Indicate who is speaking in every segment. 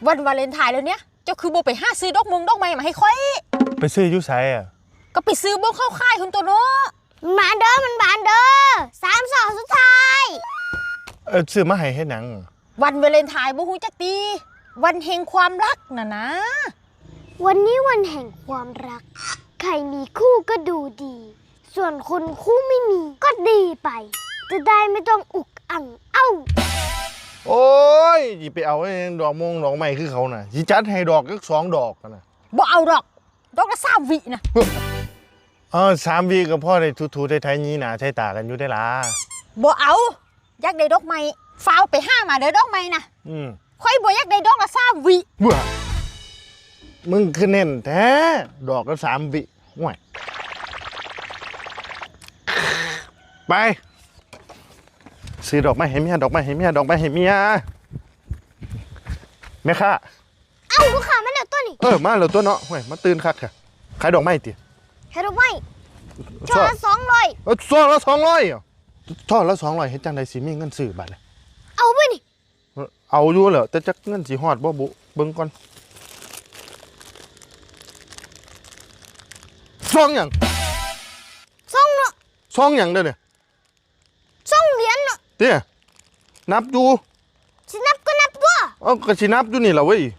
Speaker 1: วันวาเลนไทน์แล้วเนี่ยเจ้าคือโบไปหาซื้อดอกไม้มาให้ค่อย
Speaker 2: ไปซื้อยุไสอ่ะ
Speaker 1: ก็ไปซื้อโบเข้าค่ายคุณตัวเนาะ
Speaker 3: มาเด้อมันบานเด้อ3 2สุดท้าย
Speaker 2: ซื้อมาให้เฮ็ดหยัง
Speaker 1: วันวาเลนไทน์โบฮู้จักตีวันแห่งความรักน่ะนะ
Speaker 3: วันนี้วันแห่งความรักใครมีคู่ก็ดูดีส่วนคนคู่ไม่มีก็ดีไปจะได้ไม่ต้องอุกอั่ง
Speaker 2: โอ้ยสิไปเอาดอกไม้คือเขาน่ะสิจัดให้ดอกสัก2 ดอกกันน่ะ
Speaker 1: บ่เอาดอกละ3 วินะ
Speaker 2: 3 วิก็พอได้ทูๆไทยๆนี้หน้าใช้ตากันอยู่ได้ล่ะ
Speaker 1: บ่เอาอยากได้ดอกไม้ฟ้าวไปหามาเด้อดอกไม้นะค่อยบ่อยากได้ดอกละ3 วิ
Speaker 2: บ่มึงคือเน้นแท้ดอกละ3 วิห่วยไปซื้อดอกไม้ให้เมียแม่ค้า
Speaker 3: ลูกค้ามาแล้วตัวนี้
Speaker 2: มาแล้วตัวเนาะห่วยมาตื่นคักค่ะขายดอกไม้ติ
Speaker 3: ขายดอกไม้ช่อละ200
Speaker 2: ช่อละ200ช่อละ200เฮ็ดจังได๋สิมีเงินซื้อบัดนี้
Speaker 3: เอาไปนี่
Speaker 2: เอาอยู่แล้วแต่จักเงินสิฮอดบ่บุเบิ่งก่อนซ่องหยัง
Speaker 3: ซ่องเนาะ
Speaker 2: ซ่องหยังเด้อเนี่ย
Speaker 3: ซ่องเหรียญเนาะ
Speaker 2: เด้นับอยู่
Speaker 3: สินับก็นับตัว
Speaker 2: ก็สินับอยู่นี่ล่ะเว้ย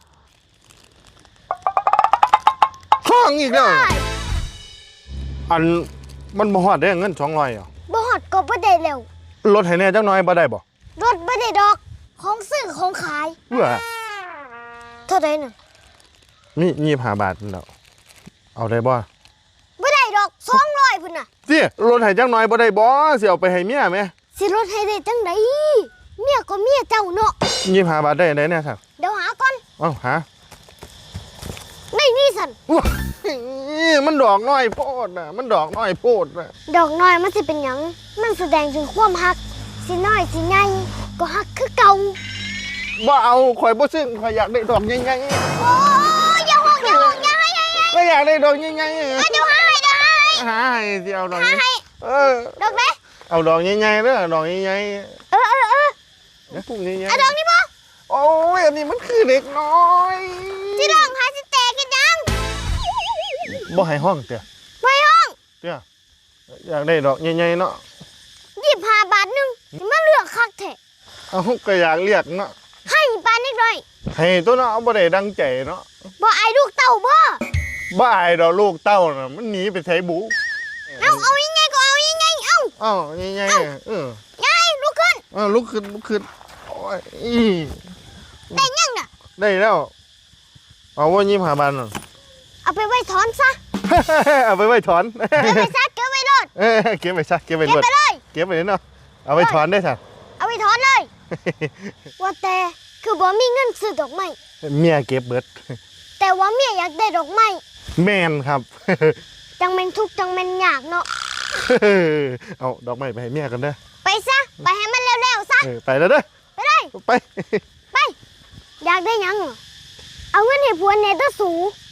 Speaker 2: ซ่องอีกแล้วอันมันบ่ฮอดได้เงิน200
Speaker 3: บ่ฮอดก็บ่ได้แล้ว
Speaker 2: ลดให้แน่จักหน่อยบ่ได้บ่
Speaker 3: ลดบ่ได้ดอกของซื้อของขายเท่าใดน่ะ
Speaker 2: มี25 บาทแล้วเอาได้บ่
Speaker 3: ได้ดอก200พุ่นน่ะ
Speaker 2: สิลดให้จักหน่อยบ่ได้บ่สิเอาไปให้เมียแม่
Speaker 3: สิลดให้ได้จังได๋เมียก็เมียเจ้าเนาะ
Speaker 2: 25 บาทได้แน่ครับ
Speaker 3: เดี๋ยวหาก่อน
Speaker 2: หา
Speaker 3: ได้นี่สั่น
Speaker 2: มันดอกน้อยโพดน่ะมันดอกน้อยโพดน่ะ
Speaker 3: ดอกน้อยมันสิเป็นหยังมันแสดงถึงความฮักสิน้อยสิใหญ่ก็ฮักคือเก่า
Speaker 2: บ่เอาข่อยบ่ซึ้งข่อยอยากได้ดอกใหญ่
Speaker 3: ๆโอ้ยอย่าฮ้อง
Speaker 2: ก็อยากได้ดอกใหญ่ๆ
Speaker 3: เดี๋ยวหาให้
Speaker 2: หาให้สิเอาดอกนี้
Speaker 3: ดอกไหน
Speaker 2: เอาดอกใหญ่ๆเด้อดอกใหญ่ๆเนี่ยพวกใหญ่ๆ
Speaker 3: เอาดอกนี้บ่
Speaker 2: โอ้ยอันนี้มันคือเด็กน้อย
Speaker 3: สิดอกหาสิแตกกันยัง
Speaker 2: บ่ให้ห้องเตี้ย
Speaker 3: บ่ให้ห้อง
Speaker 2: เตี้ยอยากได้ดอกใหญ่ๆเนาะ
Speaker 3: 25 บาทนึงมันเลือกคักแท้
Speaker 2: ก็อยากเรียกเนาะ
Speaker 3: ให้ปานนิดหน่อย
Speaker 2: ให้ตัวเนาะบ่ได้ดังใจเนาะ
Speaker 3: บ่อายลูกเต้าบ่
Speaker 2: อายดอกลูกเต้าน่ะมันหนีไปไสบุ
Speaker 3: เอายังไงก็เอายังไง
Speaker 2: ใหญ่
Speaker 3: ยายลุกขึ้น
Speaker 2: ลุกขึ้นโอ้ย
Speaker 3: ได้ยังน่ะ
Speaker 2: ได้แล้วเอาว่า25 บาทน่ะ
Speaker 3: เอาไปไว้ถอนซะ
Speaker 2: เอาไปไว้ถอน
Speaker 3: เก็บไว้ซะเก็บไว้รถ
Speaker 2: เก็บไว้ซะเก็บไว้เลยเก็บไว้เนาะเอาไปถอนได้ซะ
Speaker 3: เอาไปถอนเลยว่าแต่คือบ่มีเงินซื้อดอกไม้
Speaker 2: เมียเก็บเบิด
Speaker 3: แต่ว่าเมียอยากได้ดอกไม้
Speaker 2: แม่นครับ
Speaker 3: จังแม่นทุกจังแม่นยากเนาะ
Speaker 2: เอาดอกไม้ไปให้เมียกันเด้อ
Speaker 3: ไปซะไปให้มันเร็วๆซะ
Speaker 2: ไปแล้วเด้อ
Speaker 3: ไปเลย
Speaker 2: ไป
Speaker 3: อยากได้ยังเอาเงินให้ผัวแน่เด้อสู